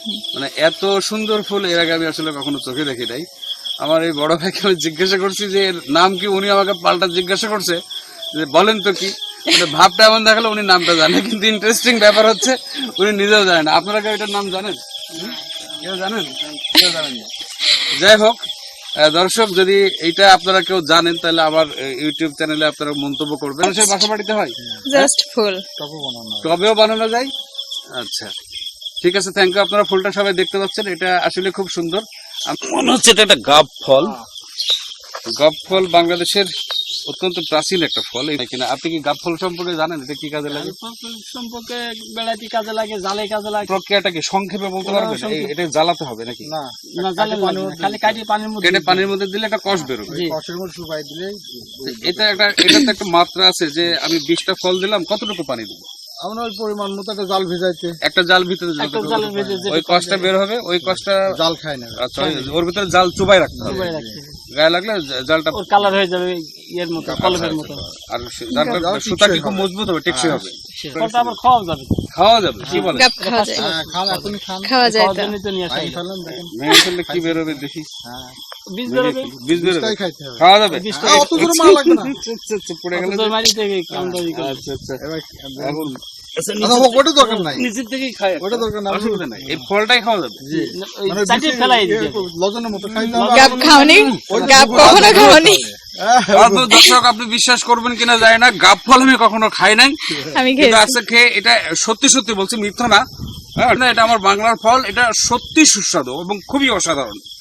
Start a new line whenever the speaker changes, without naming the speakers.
মানে এত সুন্দর ফুল এর আগে আমি আসলে কখনো চোখে দেখি নাই। আমার এই বড় ভাইকে আমি জিজ্ঞাসা করছি যে এর নাম কি, উনি আমাকে পাল্টা জিজ্ঞাসা করছে যে বলেন তো কি, মানে ভাবটা এমন দেখালো উনি নামটা জানে, কিন্তু ইন্টারেস্টিং ব্যাপার হচ্ছে উনি নিজেও জানেন। আপনারা কি এটার নাম জানেন? কেউ জানেন? কেউ জানেন না। যাই হোক, দর্শক যদি এইটা আপনারা কেউ জানেন তাহলে আমার ইউটিউব চ্যানেলে আপনারা মন্তব্য করবেন। মানুষের বাসা বাড়িতে হয়
জাস্ট ফুল,
টবেও বানানো যায়। আচ্ছা ঠিক আছে, থ্যাংক ইউ। আপনারা ফুলটা সবাই দেখতে পাচ্ছেন, এটা আসলে খুব সুন্দর। আমার মনে হচ্ছে এটা একটা গাব ফল। গাব ফল বাংলাদেশের অত্যন্ত প্রাচীন একটা ফল কিনা। আপনি কি গাব ফল সম্পর্কে জানেন? এটা কি কাজে লাগে?
সম্পর্কে বেড়াইতে কাজে লাগে, জালে কাজে লাগে।
প্রক্রিয়াটা কি সংক্ষেপে বলতে পারবেন? এটা জ্বালাতে হবে নাকি?
না, জালে খালি কাটি পানির মধ্যে,
কেটে পানির মধ্যে দিলে একটা কষ বেরোবে।
কষের মধ্যে শুকাই দিলে
এটা তো একটা মাত্রা আছে যে আমি 20টা ফল দিলাম, কতটুকু পানি দেবো?
আমরা ওই পরিমাণ মতো একটা জাল ভিজাইতে,
একটা জাল ভিতরে ওই কষটা বের হবে, ওই কষটা
জাল খায় না।
আচ্ছা, ওর ভিতরে জাল চুবাই রাখতে হবে। গায়ে লাগলে জালটা
ওর কালার হয়ে যাবে ইয়ের মতো, কলমের মতো।
আর সুতা কি খুব মজবুত হবে, টেকসই হবে।
ফলটা আবার খাওয়া যাবে।
খাওয়া যাবে? কি বলে?
গাব খাওয়া যায়,
খান, এখন খান,
খাওয়া যায় তো।
জন্য তো নিয়ে আসেন। ফেলেন দেখেন,
ভেঙে ফেললে কি বেরোবে দেখি?
বীজ বেরোবে,
বীজ বেরোবে,
খাইতে হবে।
খাওয়া যাবে?
অত দূর মারা লাগবে না,
পড়ে গেলে
অত মারি থেকে কামড় দিকে।
আচ্ছা আচ্ছা। এখন
ওটা দরকার নাই,
নিচের থেকেই খায়,
ওটা দরকার নাই,
অসুবিধা নাই। এই ফলটাই খাওয়া যাবে।
মানে চাটি ফেলাই দিতে লজনের মতো খাইলে
গাব খাওনি? গাব কখনো খাওনি?
দর্শক আপনি বিশ্বাস করবেন কিনা জানি না, গাব ফল আমি কখনো খাই নাই,
আমি
কিন্তু
খেয়েছি।
আজকে খেয়ে এটা সত্যি সত্যি বলছি, মিথ্যা না। হ্যাঁ, এটা আমার বাংলার ফল, এটা সত্যি সুস্বাদু এবং খুবই অসাধারণ।